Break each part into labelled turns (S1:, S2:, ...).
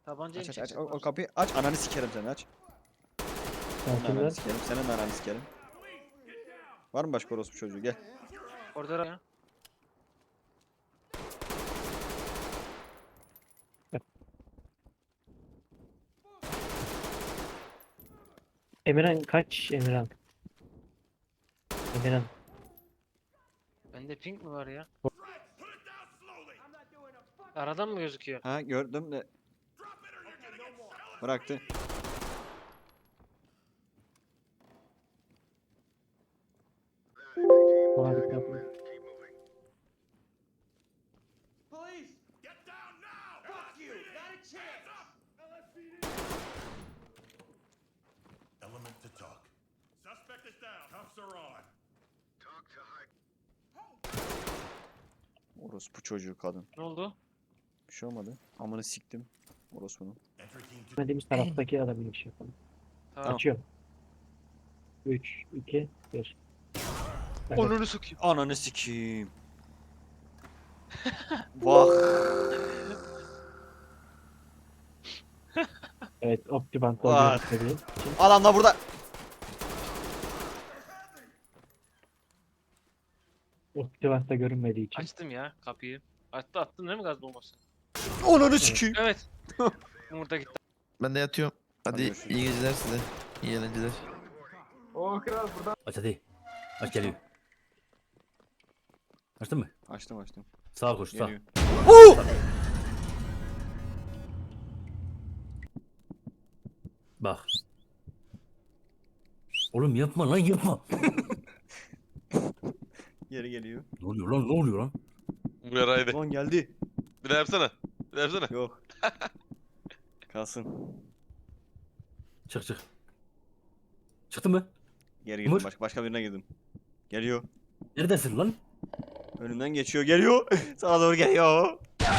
S1: Tabancayı
S2: Aç
S1: mı
S2: aç aç.
S1: çekecek?
S2: O kapıyı aç. Ananı sikerim seni aç. Senin
S3: Sakinler.
S2: ananı sikerim. Senin ananı sikerim. Var mı başka orospu çocuğu? Gel.
S1: Orada ya.
S3: Emirhan kaç Emirhan? Emirhan.
S1: Bende pink mi var ya? Aradan mı gözüküyor?
S2: Ha gördüm de. Bıraktı.
S3: Harika.
S4: Police! Get down now! Fuck you! Not a chance! Element to talk. Suspect is down. Cuffs are on.
S2: Orospu çocuğu kadın.
S1: Ne oldu?
S2: Bir şey olmadı. Amını siktim. Orospunun.
S4: Entry team to
S3: Dediğimiz taraftaki adamı bir şey yapalım.
S1: Tamam.
S3: Açıyorum. 3, 2, 1.
S1: Onunu sokayım.
S2: Ananı sikeyim. Vah.
S3: Evet, Optibant'ta
S2: Vay.
S3: olduğunu söyleyeyim.
S2: Adam da burada.
S3: Optibant'ta görünmediği için.
S1: Açtım ya kapıyı. Attın değil mi gaz bombası?
S2: Ananı sikeyim.
S1: Evet. Yumurta gitti.
S5: Ben de yatıyorum. Hadi
S2: görüşürüz.
S5: iyi geceler size. İyi eğlenceler.
S6: Aç hadi. Aç geliyor. Açtın mı?
S2: Açtım açtım.
S6: Sağa koş sağ.
S2: Geliyor.
S6: Bak. Oğlum yapma lan yapma.
S2: Geri geliyor.
S6: Ne oluyor lan ne oluyor lan?
S7: Buyur haydi.
S2: Lan geldi.
S7: Bir daha yapsana. Bir daha yapsana.
S2: Yok. Kalsın.
S6: Çık çık. Çıktın mı?
S2: Geri girdim.
S6: Umur.
S2: Başka birine girdim. Geliyor.
S6: Neredesin lan?
S2: Önümden geçiyor. Geliyor. Sağa doğru geliyor.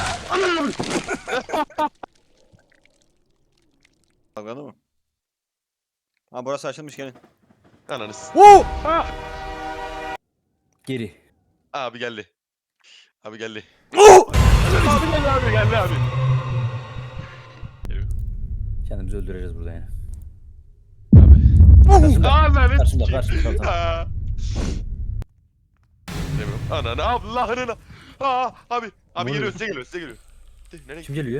S2: Dalgalı mı? Ha burası açılmış gelin.
S7: Ananız.
S2: Woo!
S6: Geri.
S7: Abi geldi. Abi geldi.
S2: Oh!
S7: Abi geldi abi geldi abi.
S6: Kendimizi öldüreceğiz burada yani.
S7: Abi. Aa lanet.
S6: Karşımda karşımda tamam.
S7: Aa. Demiyorum. Ananı Allah'ını. Aa abi. Abi
S6: Ne
S7: geliyor
S6: oluyor?
S7: size geliyor size geliyor. Nereye
S6: Kim geliyor?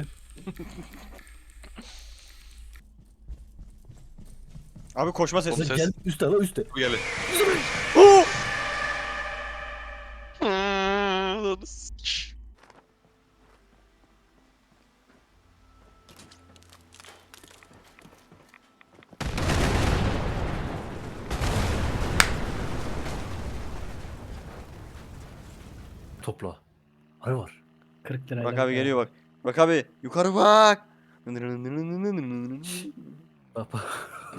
S2: Abi koşma sesi.
S7: Ses.
S6: Gel üstte la üstte.
S7: Bu geldi.
S2: Oh!
S7: Ananı sik.
S6: Topla. Arı var.
S3: 40 lirayla.
S2: Bak abi geliyor bak. Bak abi yukarı bak.
S6: Bak bak.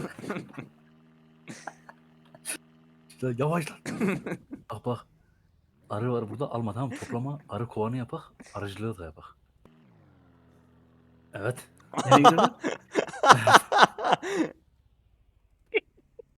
S6: İşte yavaş lan. Bak bak. Arı var burada alma tamam mı? Toplama arı kovanı yapak. Arıcılığı da yapak. Evet.
S3: Nereye gidiyorsun?